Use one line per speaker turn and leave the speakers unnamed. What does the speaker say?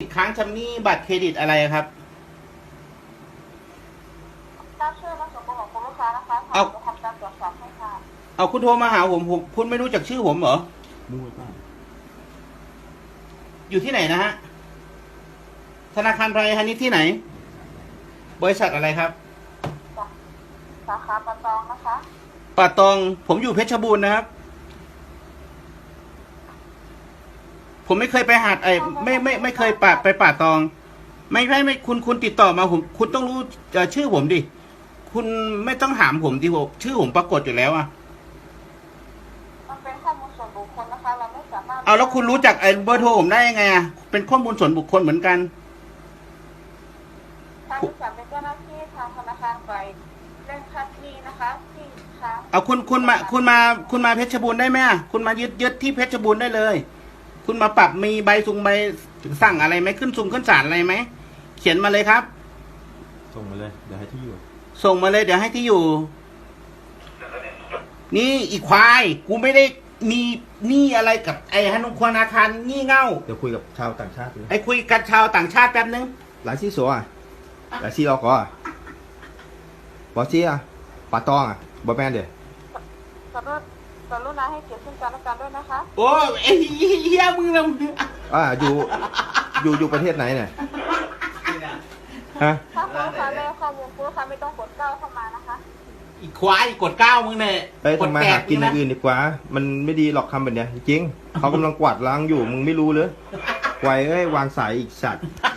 ค้างชำระบัตรเครดิตอะไรครับ
ทราบชื่อและส่วนตัวของคุณลูกค้านะคะจะทำการตรวจสอบให้ค่ะ
เอาคุณโทรมาหาผมคุณไม่รู้จักชื่อผมเหรอ
รู้ป่ะ
อยู่ที่ไหนนะฮะธนาคารไทยฮานิชที่ไหน บริษัทอะไรครับ
สาขาปะตองนะคะ
ป่าตองผมอยู่เพชรบูรณ์นะครับ ผมไม่เคยไปหาดไม่เคยไปป่าตอง ไม่คุณติดต่อมาคุณต้องรู้ชื่อผมดิคุณไม่ต้องถามผมดิผมชื่อผมปรากฏอยู่แล้วอะ
มันเป็นข้อมูลส่วนบุคคลนะคะ เราไม่สามารถ
เอาแล้วคุณรู้จักเบอร์โทรผมได้ยังไงอะเป็นข้อมูลส่วนบุคคลเหมือนกัน
ทางบริษัทเป็นเจ้าหน้าที่ทางธนาคารไปเร่งคัดหนี้นะคะที่ค้าง
เอาคุณมาเพชรบูรณ์ได้ไหมอะคุณมายึดที่เพชรบูรณ์ได้เลย คุณมาปรับมีใบสั่งอะไรไหมขึ้นศาลอะไรไหมเขียนมาเลยครับ
ส่งมาเลยเดี๋ยวให้ที่อยู่
ส่งมาเลยเดี๋ยวให้ที่อยู่ นี่อีควายกูไม่ได้มีหนี้อะไรกับไอ้ธนาคารงี่เง่า
เดี๋ยวคุยกับชาวต่างชาติเลย
ไอ้คุยกับชาวต่างชาติแป๊บนึง
หลายที่สัวอ่ะหลายที่เราก็บอจี้อ่ะปาตองอ่ะบอแมนเดี๋ยว
กรุณาให้เกียรติซึ่งกันและกันด้วยนะคะ
โอ้ไอ้เหี้ยมึงนะ
อยู่ประเทศไหนเนี่ยฮะ
ถ้าคุณลูกค้าได้ข้อมูลคุณลูกค้าไม่ต้องกดเก้าเข้ามานะคะ
อีควายกดเก้ามึงเนี่ย
ไปทำมาหากินอย่างอื่นดีกว่า มันไม่ดีหรอกคำแบบเนี้ยจริงเขากำลังกวาดล้างอยู่มึงไม่รู้เลยไวเอ้ยวางสายอีกสัตว์